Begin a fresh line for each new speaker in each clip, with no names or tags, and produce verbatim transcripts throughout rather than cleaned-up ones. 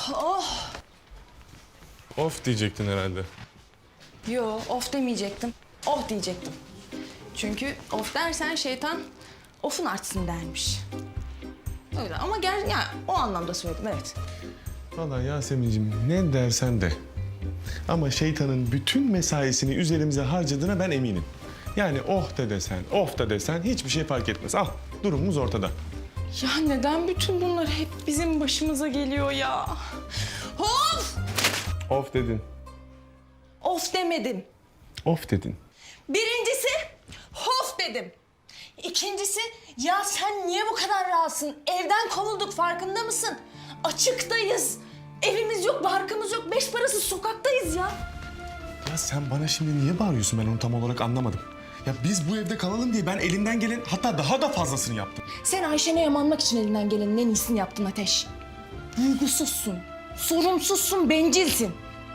Oh.
Of diyecektin herhalde.
Yo, of demeyecektim. Oh diyecektim. Çünkü of dersen şeytan ofun artsın dermiş. Öyle ama gel ya o anlamda söyledim, evet.
Vallahi Yasemin'ciğim ne dersen de. Ama şeytanın bütün mesaisini üzerimize harcadığına ben eminim. Yani oh da desen, of da desen hiçbir şey fark etmez. Al, durumumuz ortada.
Ya neden bütün bunlar hep bizim başımıza geliyor ya? Of!
Of dedin.
Of demedim.
Of dedin.
Birincisi hof dedim. İkincisi ya sen niye bu kadar rahatsın? Evden kovulduk, farkında mısın? Açıktayız. Evimiz yok, barkımız yok. Beş parasız sokaktayız ya.
Ya sen bana şimdi niye bağırıyorsun, ben onu tam olarak anlamadım. Ya biz bu evde kalalım diye ben elimden gelen hatta daha da fazlasını yaptım.
Sen Ayşen'e yamanmak için elinden gelenin en iyisini yaptın Ateş. Duygusuzsun, sorumsuzsun, bencilsin.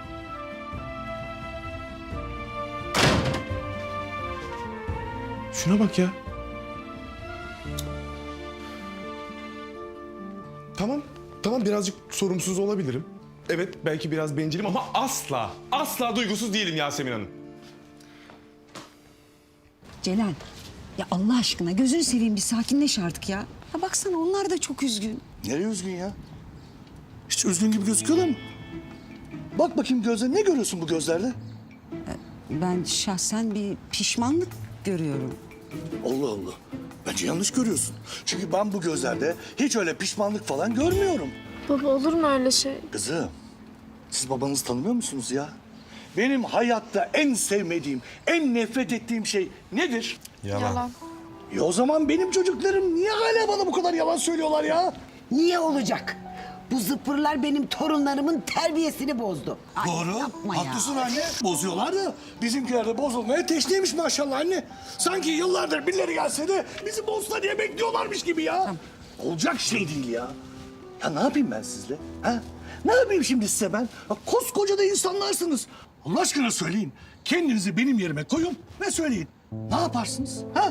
Şuna bak ya. Tamam, tamam birazcık sorumsuz olabilirim. Evet, belki biraz bencilim ama asla, asla duygusuz değilim Yasemin Hanım.
Celal, ya Allah aşkına gözünü seveyim bir sakinleş artık ya. Ya baksana onlar da çok üzgün.
Nereye üzgün ya? Hiç üzgün gibi gözüküyorlar mı? Bak bakayım gözlerine, ne görüyorsun bu gözlerde?
Ben şahsen bir pişmanlık görüyorum.
Allah Allah. Bence yanlış görüyorsun. Çünkü ben bu gözlerde hiç öyle pişmanlık falan görmüyorum.
Baba olur mu öyle şey?
Kızım, siz babanızı tanımıyor musunuz ya? Benim hayatta en sevmediğim, en nefret ettiğim şey nedir?
Yalan.
Ya o zaman benim çocuklarım niye hala bana bu kadar yalan söylüyorlar ya?
Niye olacak? Bu zıpırlar benim torunlarımın terbiyesini bozdu. Ay,
Doğru.
yapma ya.
Haklısın anne. Bozuyorlar da bizimkiler de bozulmaya teşneymiş maşallah anne. Sanki yıllardır birileri gelse de bizi bozsa diye bekliyorlarmış gibi ya. Olacak şey değil ya. Ya ne yapayım ben sizle? Ha? Ne yapayım şimdi size ben? Ya koskoca da insanlarsınız. Allah aşkına söyleyin. Kendinizi benim yerime koyun ve söyleyin. Ne yaparsınız? Ha?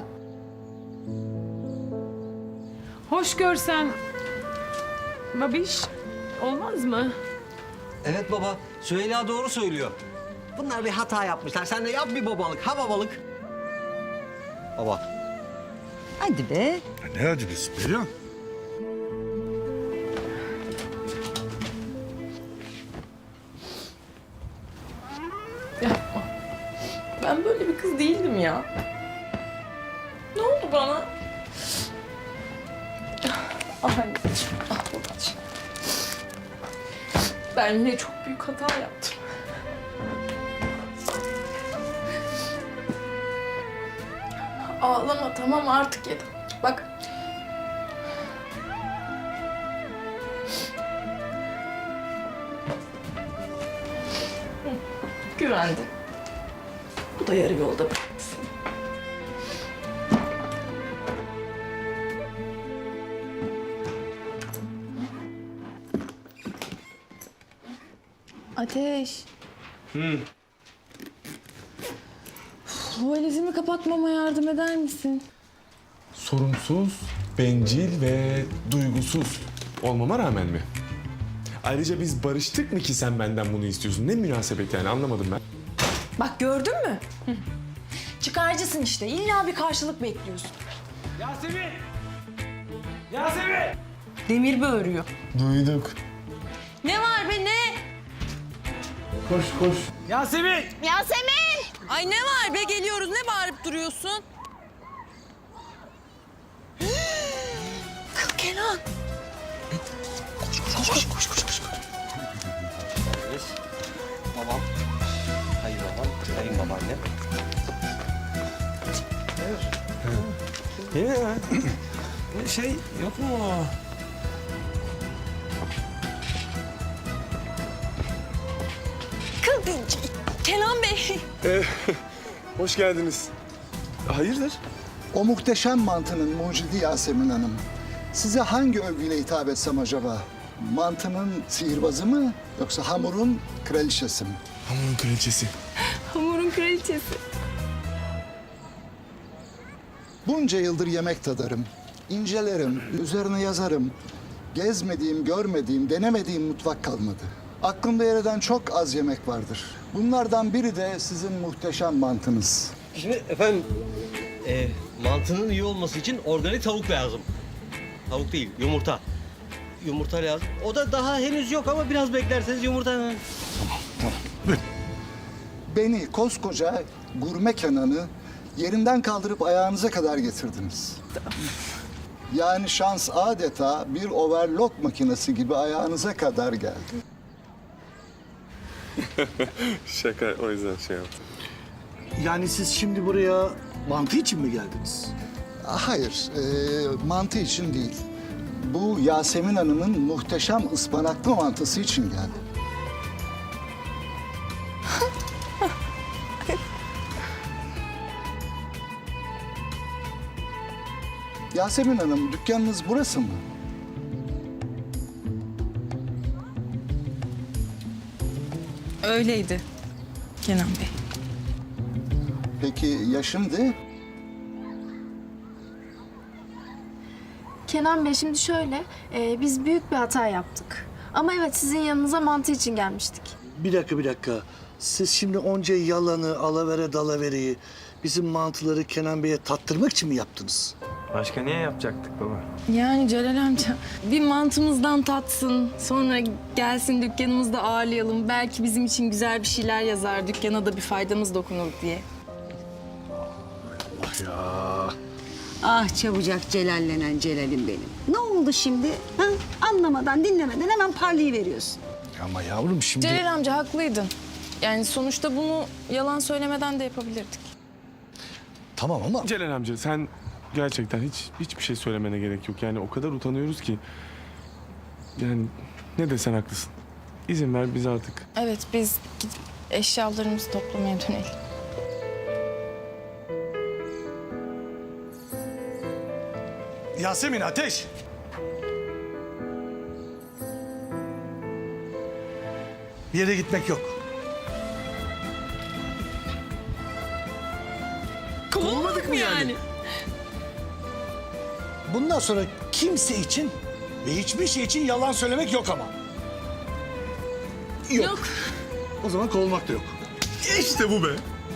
Hoş görsen babiş olmaz mı?
Evet baba, Süheyla doğru söylüyor. Bunlar bir hata yapmışlar. Sen de yap bir babalık, ha babalık. Baba.
Hadi be.
Ya ne acıbısı Perihan?
Yapma. Ben böyle bir kız değildim ya. Ne oldu bana? Ah anneciğim, ah babacığım. Ben yine çok büyük hata yaptım. Ağlama tamam artık yeter. Bak. Hı, güvendi. Bu da yarı yolda bıraktı seni. Ateş. Hı. Bu valizimi kapatmama yardım eder misin?
Sorumsuz, bencil ve duygusuz olmama rağmen mi? Ayrıca biz barıştık mı ki sen benden bunu istiyorsun? Ne münasebet yani, anlamadım ben.
Bak gördün mü? Hı. Çıkarcısın işte. İlla bir karşılık bekliyorsun.
Yasemin! Yasemin!
Demir böğürüyor.
Duyduk.
Ne var be ne?
Koş koş.
Yasemin!
Yasemin! Ay ne var be, geliyoruz. Ne bağırıp duruyorsun? Kız Kenan.
Koş, koş, koş, koş, koş. Babam. Hayır babam, hayır babaannem.
Yine ya.
Şey yok mu?
Kız Kenan Bey.
Hoş geldiniz. Hayırdır?
O muhteşem mantının mucidi Yasemin Hanım. Size hangi övgüyle hitap etsem acaba? Mantının sihirbazı mı yoksa hamurun kraliçesi mi?
Hamurun kraliçesi.
Hamurun kraliçesi.
Bunca yıldır yemek tadarım, incelerim, üzerine yazarım. Gezmediğim, görmediğim, denemediğim mutfak kalmadı. Aklımda yer eden çok az yemek vardır. Bunlardan biri de sizin muhteşem mantınız.
Şimdi efendim e, mantının iyi olması için organik tavuk lazım. Tavuk değil, yumurta. Yumurta lazım. O da daha henüz yok ama biraz beklerseniz yumurta...
Beni koskoca gurme Kenan'ı yerinden kaldırıp ayağınıza kadar getirdiniz. Yani şans adeta bir overlock makinesi gibi ayağınıza kadar geldi.
Şaka, o yüzden şey yaptım.
Yani siz şimdi buraya mantı için mi geldiniz?
Hayır, e, mantı için değil. Bu Yasemin Hanım'ın muhteşem ıspanaklı mantısı için geldim. Yasemin Hanım, dükkanınız burası mı?
Öyleydi Kenan Bey.
Peki ya şimdi?
Kenan Bey şimdi şöyle, e, biz büyük bir hata yaptık. Ama evet sizin yanınıza mantı için gelmiştik.
Bir dakika, bir dakika. Siz şimdi onca yalanı, alavere dalavereyi bizim mantıları Kenan Bey'e tattırmak için mi yaptınız?
Başka niye yapacaktık baba?
Yani Celal amca bir mantımızdan tatsın, sonra gelsin dükkanımızda ağırlayalım. Belki bizim için güzel bir şeyler yazar, dükkana da bir faydamız dokunur diye.
Ah çabucak celallenen Celal'im benim. Ne oldu şimdi? Ha? Anlamadan, dinlemeden hemen parlayıveriyorsun.
Ama yavrum şimdi...
Celal amca haklıydın. Yani sonuçta bunu yalan söylemeden de yapabilirdik.
Tamam ama...
Celal amca sen gerçekten hiç hiçbir şey söylemene gerek yok. Yani o kadar utanıyoruz ki. Yani ne desen haklısın. İzin ver biz artık.
Evet biz gidip eşyalarımızı toplamaya dönelim.
Yasemin, Ateş! Bir yere gitmek yok.
Kovulmadık mı yani?
Bundan sonra kimse için ve hiçbir şey için yalan söylemek yok ama. Yok.
Yok.
O zaman kovulmak da yok.
İşte bu be.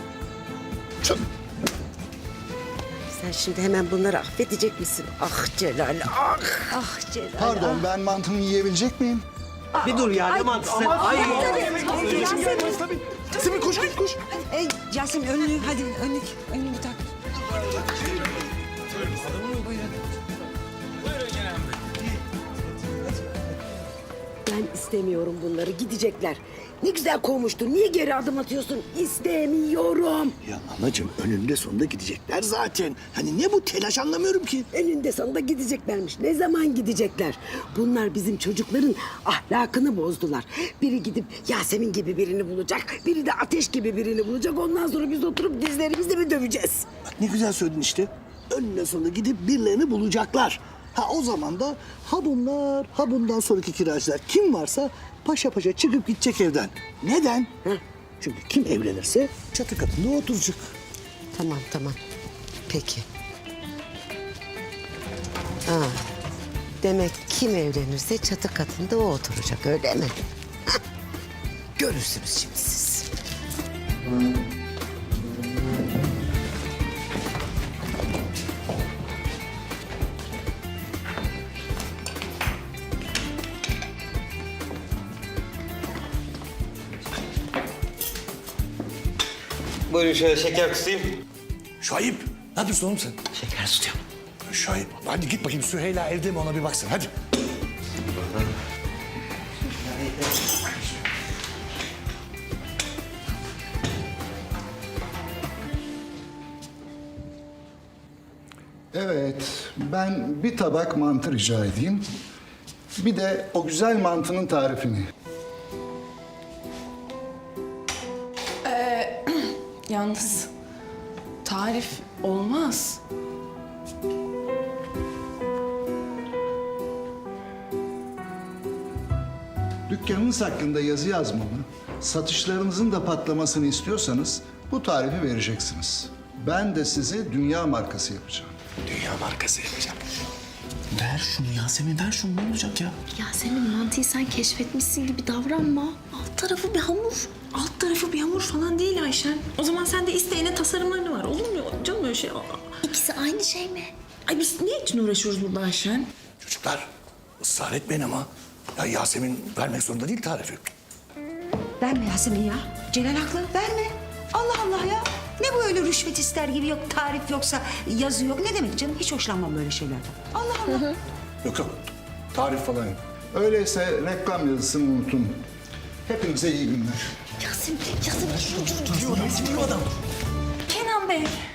Sen şimdi hemen bunları affedecek misin? Ah Celal, ah! Ah Celal,
Pardon, ben mantımı yiyebilecek miyim?
Bir dur ya, ne mantısı? Ay,
Yasemin koş, koş, koş.
Ey Yasemin önlüğü hadi önlük, önlüğü tak.
Ben istemiyorum bunları, gidecekler. Ne güzel kovmuştun, niye geri adım atıyorsun? İstemiyorum.
Ya anacığım önünde sonunda gidecekler zaten. Hani ne bu telaş anlamıyorum ki.
Eninde sonunda gideceklermiş. Ne zaman gidecekler? Bunlar bizim çocukların ahlakını bozdular. Biri gidip Yasemin gibi birini bulacak, biri de Ateş gibi birini bulacak. Ondan sonra biz oturup dizlerimizle mi döveceğiz?
Bak ne güzel söyledin işte. Önüne sonunda gidip birilerini bulacaklar. Ha o zaman da ha bunlar ha bundan sonraki kiracılar kim varsa paşa paşa çıkıp gidecek evden. Neden?
Heh.
Çünkü kim evlenirse çatı katında oturacak.
Tamam tamam. Peki. Ha. Demek kim evlenirse çatı katında o oturacak öyle mi? Hah. Görürsünüz şimdi siz.
buyurun şöyle şeker kısayım.
Şahip ne yapıyorsun oğlum sen?
Şeker tutuyorum.
Şahip hadi git bakayım Süheyla evde mi ona bir baksın hadi.
Evet, ben bir tabak mantı rica edeyim. Bir de o güzel mantının tarifini.
Yalnız tarif olmaz.
Dükkanınız hakkında yazı yazmamı, satışlarınızın da patlamasını istiyorsanız bu tarifi vereceksiniz. Ben de sizi dünya markası yapacağım.
Dünya markası yapacağım. Ver şunu Yasemin, ver şunu. Ne olacak ya?
Yasemin mantıyı sen keşfetmişsin gibi davranma. Alt tarafı bir hamur. Alt tarafı bir hamur falan değil Ayşen. O zaman sen de isteğine tasarımlarını var. Olur mu canım öyle şey? İkisi aynı şey mi? Ay biz ne için uğraşıyoruz burada Ayşen?
Çocuklar ısrar etmeyin ama. Ya Yasemin vermek zorunda değil tarifi.
Verme Yasemin ya. Celal haklı, verme. Allah Allah ya. Ne bu öyle rüşvet ister gibi, yok tarif yoksa yazı yok. Ne demek canım? Hiç hoşlanmam böyle şeylerden. Allah Allah.
Yok yok. Tarif falan yok.
Öyleyse reklam yazısını unutun. Hepinize iyi günler.
Yasemin, Yasemin. Kenan Bey.